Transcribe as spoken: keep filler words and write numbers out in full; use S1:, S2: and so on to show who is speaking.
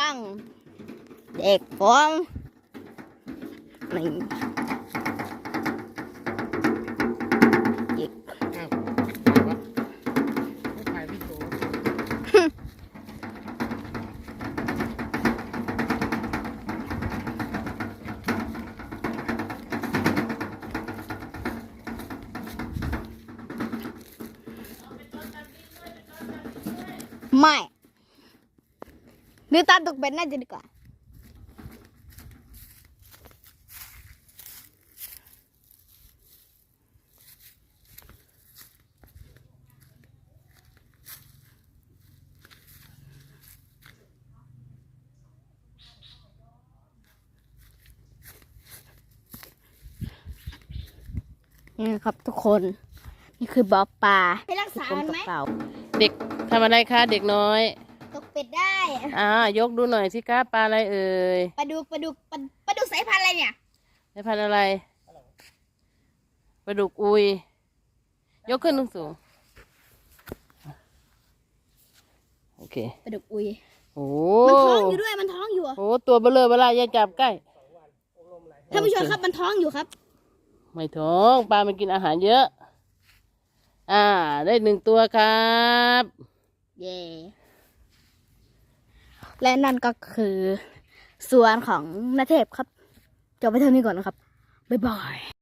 S1: งเด็กผมนี่อีก
S2: อ้าวไม่ถ่ายพี่โจ
S1: ไม่หรือตามตกเป็นน่าจะดีกว่านี่ครับทุกคนนี่คือบ่อปลาไปรักษามันไหม
S2: เด็กทำอะไรคะเด็กน้อย
S1: ตกเป็ดได้
S2: อ่ายกดูหน่อยสิคะปลาอะไรเอ่ย
S1: ปลาดุกปลาดุกปลาปลาดุกสายพันธุ์อะไรเนี่ย
S2: สายพันธุ์อะไรปลาดุกอุยยกขึ้นสูงๆโอเค
S1: ปลาดุกอุย
S2: โอ้
S1: มันท้องอยู่ด้วยมันท้องอยู่
S2: โหตัวเบลอเบลาอย่าจับใกล้
S1: ท่านผู้ชมครับมันท้องอยู่ครับ
S2: ไม่ท้องปลามันกินอาหารเยอะ อ่าได้หนึ่งตัวครับ
S1: เย่และนั่นก็คือสวนของนาเทพครับจบไปเท่านี้ก่อนนะครับบ๊ายบาย